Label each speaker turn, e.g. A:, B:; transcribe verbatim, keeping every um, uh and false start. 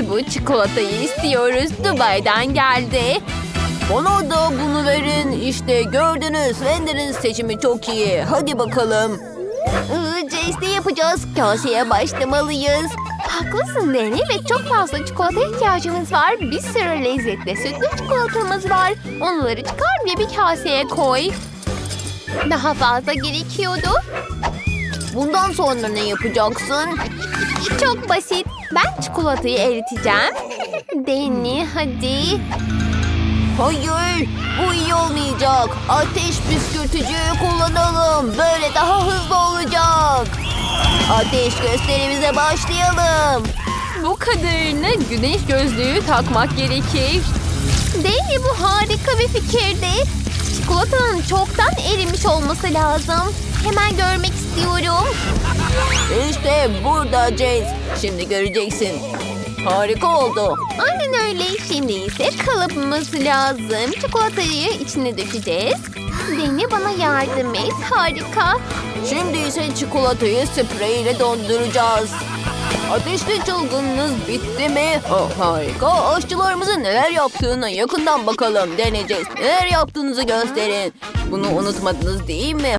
A: Bu çikolatayı istiyoruz. Dubai'den geldi.
B: Bana da bunu verin. İşte gördünüz. Wendy'nin seçimi çok iyi. Hadi bakalım.
A: Jace ne yapacağız? Kaseye başlamalıyız. Haklısın Danny ve çok fazla çikolata ihtiyacımız var. Bir sürü lezzetli sütlü çikolatamız var. Onları çıkar ve bir kaseye koy. Daha fazla gerekiyordu.
B: Bundan sonra ne yapacaksın?
A: Çok basit. Ben çikolatayı eriteceğim. Danny hadi.
B: Hayır, bu iyi olmayacak. Ateş püskürtücüyü kullanalım. Böyle daha hızlı olacak. Ateş gösterimize başlayalım.
A: Bu kadarını güneş gözlüğü takmak gerekir. Danny bu harika bir fikirdi. Çikolatanın çoktan erimiş olması lazım. Hemen görmek istiyorum.
B: İşte burada Jace. Şimdi göreceksin. Harika oldu.
A: Aynen öyle. Şimdi ise kalıbımız lazım. Çikolatayı içine dökeceğiz. Danny bana yardım et. Harika.
B: Şimdi ise çikolatayı sprey ile donduracağız. Ateşli çılgınınız bitti mi? Oh, harika. Aşçılarımızın neler yaptığına yakından bakalım. Deneyeceğiz. Neler yaptığınızı gösterin. Bunu unutmadınız değil mi?